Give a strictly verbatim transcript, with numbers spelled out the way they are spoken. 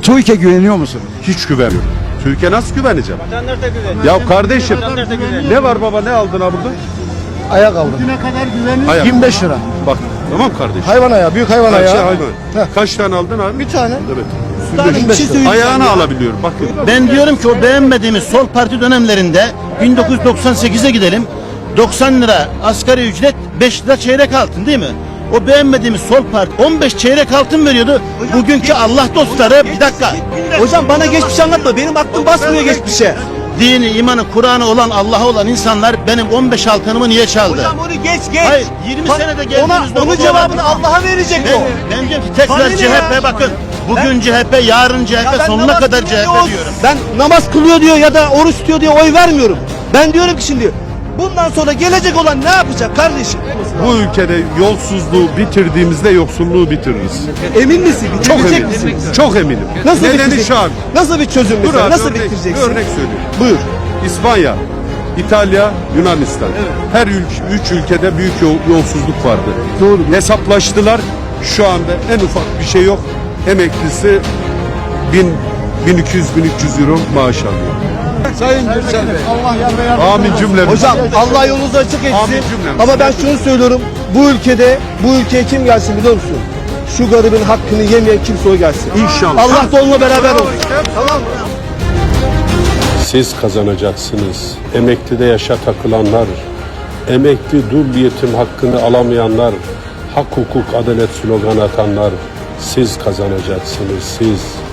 TÜİK'e güveniyor musunuz? Hiç güvenmiyorum. Türkiye nasıl güveneceğim? Vatandaş da güvenmiyor. Ya kardeşim, Vatandaş da güvenmiyor. ne var baba, ne aldın ha burada? Ayak aldım. Ne kadar güveniyor? Ayak. yirmi beş lira. Bak, tamam kardeşim. Hayvan ayağı, büyük hayvan Her ayağı. şey hayvan. Kaç tane aldın abi? Bir tane. Evet. Daha bir şey söyleyeceğim. Ayağını alabiliyorum. Bakın. Ben diyorum ki o beğenmediğimiz sol parti dönemlerinde bin dokuz yüz doksan sekize gidelim. doksan lira asgari ücret, beş lira çeyrek altın değil mi? O beğenmediğimiz sol parti on beş çeyrek altın veriyordu. Bugünkü Allah dostları bir dakika. Hocam bana geçmişi anlatma. Benim aklım basmıyor geçmişe. Dini, imanı, Kur'an'ı olan, Allah'a olan insanlar benim on beş altınımı niye çaldı? Hocam onu geç geç. Hayır, yirmi Bak, senede ona, geldiğimizde onun o cevabını Allah'a verecek Ben, o. ben diyorum ki tekrar Bana ne C H P ya? bakın. Bugün C H P, yarın C H P, Ya ben sonuna namaz kadar kılıyor C H P diyor, diyorum. Ben namaz kılıyor diyor ya da oruç tutuyor diye oy vermiyorum. Ben diyorum ki şimdi bundan sonra gelecek olan ne yapacak kardeşim? Bu ülkede yolsuzluğu bitirdiğimizde yoksulluğu bitiririz. Emin misin? Çok Bitirecek eminim. misin? Çok eminim. Nasıl Nedeni bitirecek? şu abi. Nasıl bir çözüm Dur mesela? abi, Nasıl örnek, bitireceksin? bir örnek söyleyeyim. Buyur. İspanya, İtalya, Yunanistan. Her ülke, üç ülkede büyük yol- yolsuzluk vardı. Doğru. Hesaplaştılar. Şu anda en ufak bir şey yok. Emeklisi bin, bin iki yüz bin üç yüz euro maaş alıyor. Sayın Gürsel Bey. Allah yar ve yardımcınız Amin cümlemiz. Hocam Allah yolunuzu açık Amin etsin. cümlemiz. Ama ben şunu söylüyorum. Bu ülkede bu ülkeye kim gelsin biliyor musun? Şu garibin hakkını yemeyen kimse o gelsin. İnşallah. Allah da onunla beraber olsun. Tamam mı? Siz kazanacaksınız. Emeklide yaşa takılanlar, emekli dul yetim hakkını alamayanlar, hak hukuk adalet slogan atanlar, siz kazanacaksınız siz.